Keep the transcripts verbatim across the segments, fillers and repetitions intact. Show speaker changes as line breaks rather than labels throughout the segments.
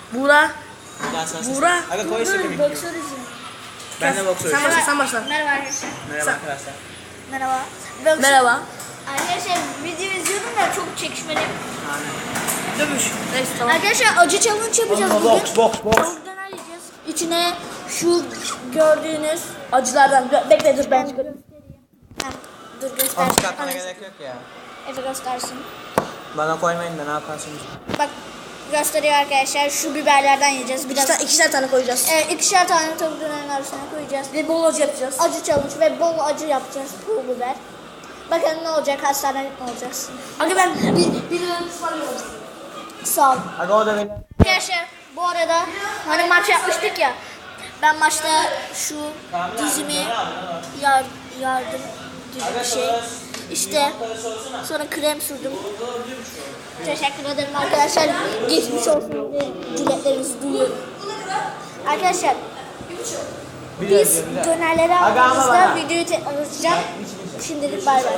Buğra.
Buğra.
Aga koy işte kemik.
Boksör izin.
Ben de boksör.
Sen başla, sen başla.
Merhaba arkadaşlar.
Merhaba arkadaşlar.
Merhaba. Boksör-
Merhaba.
Arkadaşlar video izliyordum da çok çekişmeli.
Dövüş. Neyse tamam.
Arkadaşlar acı challenge yapacağız bugün.
Boks boks boks.
Tavuk döner yiyeceğiz. İçine şu gördüğünüz
Acılardan. Gö- Bekle dur ben çıkarım.
Heh, dur
Onu
göster.
çıkartmana gerek yok ya.
Efe göstersin.
Bana koymayın da ne yaparsınız?
Bak gösteriyor arkadaşlar. Şu biberlerden yiyeceğiz.
İki
Biraz
tane, ikişer tane koyacağız.
e, ikişer tane tavuk dönerin arasına koyacağız.
Ve bol acı yapacağız.
Acı challenge ve bol acı yapacağız. Pul biber. Bakalım ne olacak? Hastanelik mi olacaksın?
Aga ben bir, bir lira ısmarlıyorum.
Sağ ol.
Aga o da benim.
Arkadaşlar bu arada hani maç yapmıştık ya. Ben maçta şu dizimi yar, yardım gibi bir şey. İşte sonra krem sürdüm. Teşekkür ederim arkadaşlar. Geçmiş olsun diye dileklerinizi duyuyorum. Arkadaşlar biz dönerleri aldığımızda videoyu tekrar açacağım. Şimdilik bay bay.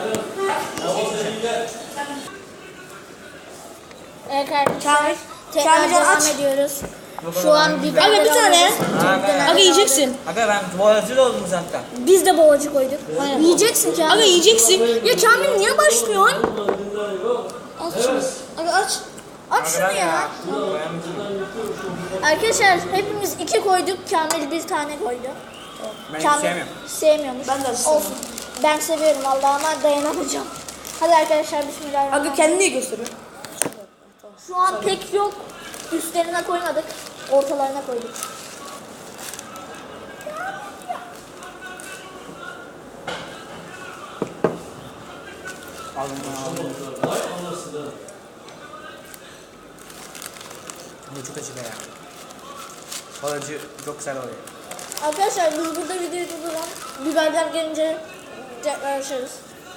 Evet arkadaşlar tekrar
Kamilcan
devam
aç.
ediyoruz. Şu an biberleri
Aga bir tane.
alıyoruz. Tavuk dönerleri
Aga yiyeceksin.
Aga ben tuvaletçi oldum zaten.
Biz de boğacı koyduk. Yiyeceksin Kamil.
Aga yiyeceksin. Ya Kamil niye başlıyorsun?
Aç şunu. Aga aç. Aç
Aga
şunu
ben
ya.
ya.
Arkadaşlar hepimiz iki koyduk. Kamil bir tane koydu.
Ben hiç
Kamil
sevmiyorum.
sevmiyormuş.
Ben de
Olsun.
sevmiyorum.
Ben seviyorum vallahi ama dayanamayacağım. Hadi arkadaşlar
Aga
bismillahirrahmanirrahim.
kendini niye gösteriyor?
Şu an pek yok. Üstlerine koymadık. Ortalarına koyduk.
Aldım aldım. Bu çok acı be ya. Bal acı çok güzel oluyor.
Arkadaşlar biz burada videoyu durduralım. Biberler gelince tekrar açarız.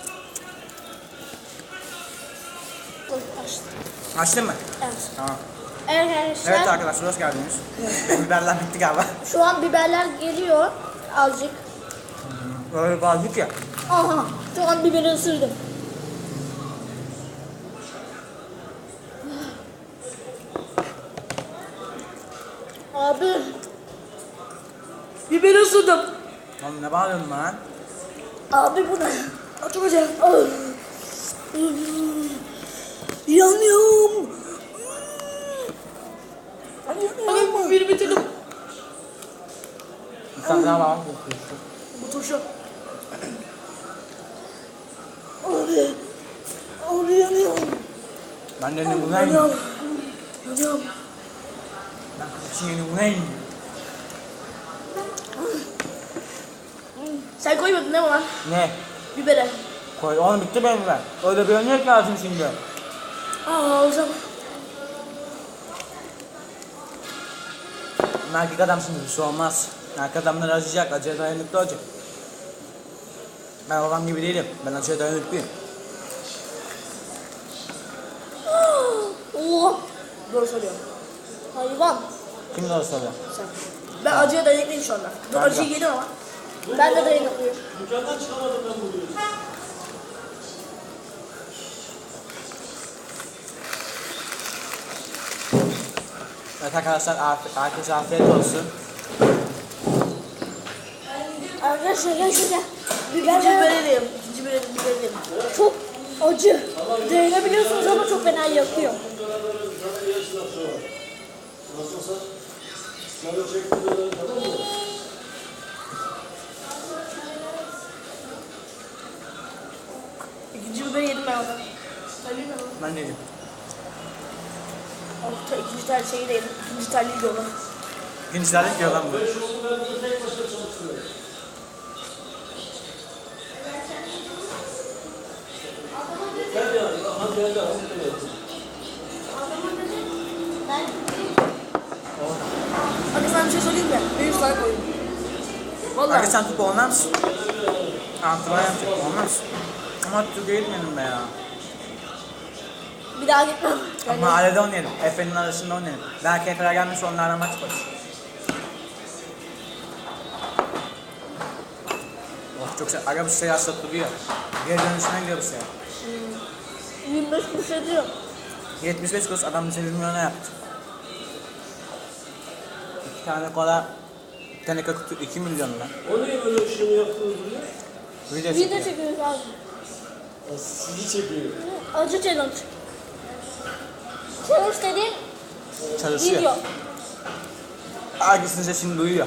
Dur, açtım.
Açtın mı?
Evet.
Tamam.
Evet arkadaşlar.
Evet arkadaşlar hoş geldiniz. Benim biberler bitti galiba.
Şu an biberler geliyor. Azıcık.
Böyle bazık ya.
Aha. Şu an biberi ısırdım. Abi.
Biberi ısırdım.
Oğlum ne bağırıyorsun lan?
Abi bu ne?
Oturacağım. Yanıyorum. Aga biberi bitirdim.
İnsan daha bağırma.
Bu turşu. Abi. Abi yanıyorum.
Ben de ne bu ne?
Yanıyorum. Yanıyorum.
Ben kızı yeni bu ne?
Sen koymadın değil mi lan?
Ne?
Bibere.
Koy oğlum bitti benim biber. Öyle bir örnek lazım şimdi.
Aa o zaman.
Ben erkek adam şimdi bir şey olmaz. Erkek adamlar acıyacak, acıya dayanıklı olacak. Ben babam gibi değilim. Ben acıya dayanıklıyım.
Oh.
Doğru söylüyorum.
Hayvan.
Kim doğru söylüyor?
Sen. Ben acıya dayanıklıyım şu anda. Dur
Ben de.
acıyı yedim ama.
Ben de dayanıklıyım.
Evet arkadaşlar afiyet, herkese afiyet olsun.
Arkadaşlar gel şuraya.
İkinci
Biberler
biberi yedim. İkinci biberi biberi yedim.
çok acı. Dayanabiliyorsunuz ama çok fena yakıyor.
İkinci biberi yedim ben ondan. Sen bilmiyorum.
Ben dedim.
Altta ikinci tane şeyi de yedim. İkinci tane yiyorum.
İkincilerle diyor lan bu.
Hadi sana bir şey söyleyeyim mi? Ben yüz tane koydum. Vallahi.
Hadi sen Türk olmaz mısın? Antrenman yapacak olmaz. Ama Türkiye'ye gitmedim be ya.
Bir daha gitmem.
Yani. Mahallede oynayalım. Efe'nin arasında oynayalım. Belki Efe'ler gelmiş onlarla maç yaparız. Oh çok güzel. Aga bu şey hasta duruyor. Geri dönüşüne gidiyor bu şey.
yirmi beş kuruş ediyor.
yetmiş beş kuruş adam bize bir milyona yaptı. Bir tane kola, bir tane kutu iki milyon lan.
O niye böyle ışığını yaptınız buraya?
Video
Video
çekiyor.
çekiyoruz abi.
Ya sizi çekiyor.
Acı challenge. Challenge dediğim
Çalışıyor.
video.
Herkesin sesini duyuyor.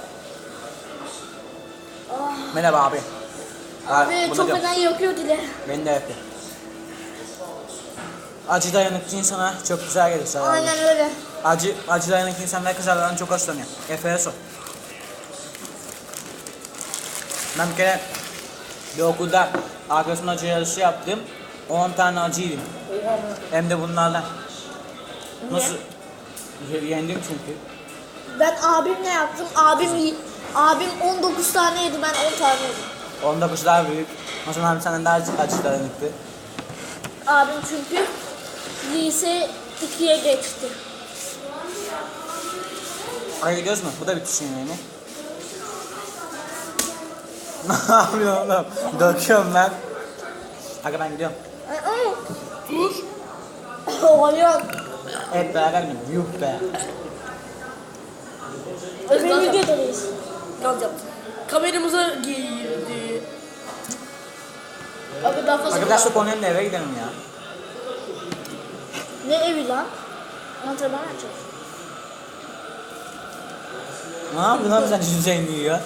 Merhaba abi. Ha,
Ve
bunu
çok
diyorum.
fena yakıyor dile.
Beni de yapıyor. Acı dayanıklı insana çok güzel gelir. Sana.
Aynen öyle.
Acı, acı dayanıklı insanlar kızarlardan çok hoşlanıyor. Efe'ye sor. Ben bir kere bir okulda arkadaşımla acı yarışı yaptım. on tane acı yedim. Hem de bunlarla. Nasıl? Y- Yendim çünkü.
Ben abimle yaptım. Abim yi- abim on dokuz tane yedi, ben on tane yedim.
on dokuz daha büyük. O zaman senden daha acı, acı dayanıklı.
Abim çünkü lise ikiye geçti.
Oraya gidiyoruz mu? Bu da bitişiyor yani. Ne yapıyorsun oğlum? Döküyorum ben. Aga ben gidiyorum.
Ay, ay. Dur. Oğlum.
Hep beraber gidiyorum. Yuh be.
Öbür videodayız.
Gaz yaptı. Kameramıza girdi. Abi daha fazla.
Aga biraz çok oynayalım da eve gidelim ya.
Ne evi lan? Antrenman yapacağız.
Ne yapıyorsun lan sen yüzeyini yiyor?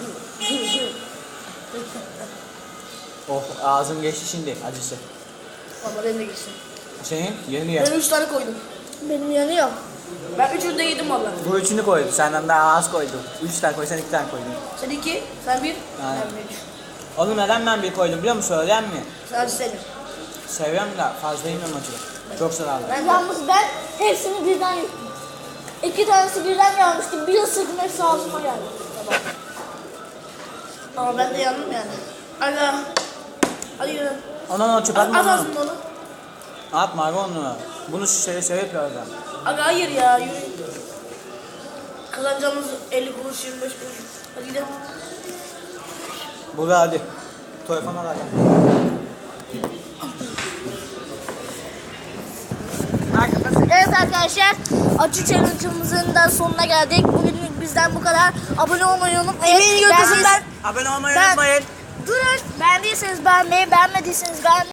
Oh ağzım geçti şimdi acısı.
Ama benim de geçsin.
Senin yeni yer.
Ben üç tane koydum.
Benim yanıyor.
Ben üçünü de yedim valla.
Bu üçünü koydu. Senden daha az koydu. Üç tane koy, sen iki tane koydun.
Sen iki, sen bir,
Aynen.
ben bir.
Oğlum neden ben bir koydum biliyor musun? Söyleyen mi?
Sen acı sevmiyorum.
Seviyorum da fazla yemiyorum acılı. Çok zararlı.
Ben de.
Yalnız ben hepsini birden yuttum. İki tanesi birden gelmişti. Bir ısırdım, hepsi ağzıma geldi.
Ama ben de yandım yani. Aga. Hadi yürü.
Onu onu çöp atma
Az
onu.
ağzında onu.
Atma abi onu. Bunu şey şey yapıyor adam.
Aga hayır ya yürü. Kazanacağımız elli kuruş, yirmi beş kuruş. Hadi gidelim.
Burada hadi. Telefona hadi.
Evet arkadaşlar, acı challenge'ımızın da sonuna geldik. Bugünlük bizden bu kadar. Abone olmayı unutmayın.
Emeğini götürsün ben.
Abone olmayı
Ben-
unutmayın.
Durun. Beğendiyseniz beğenmeyi, beğenmediyseniz beğenmeyi.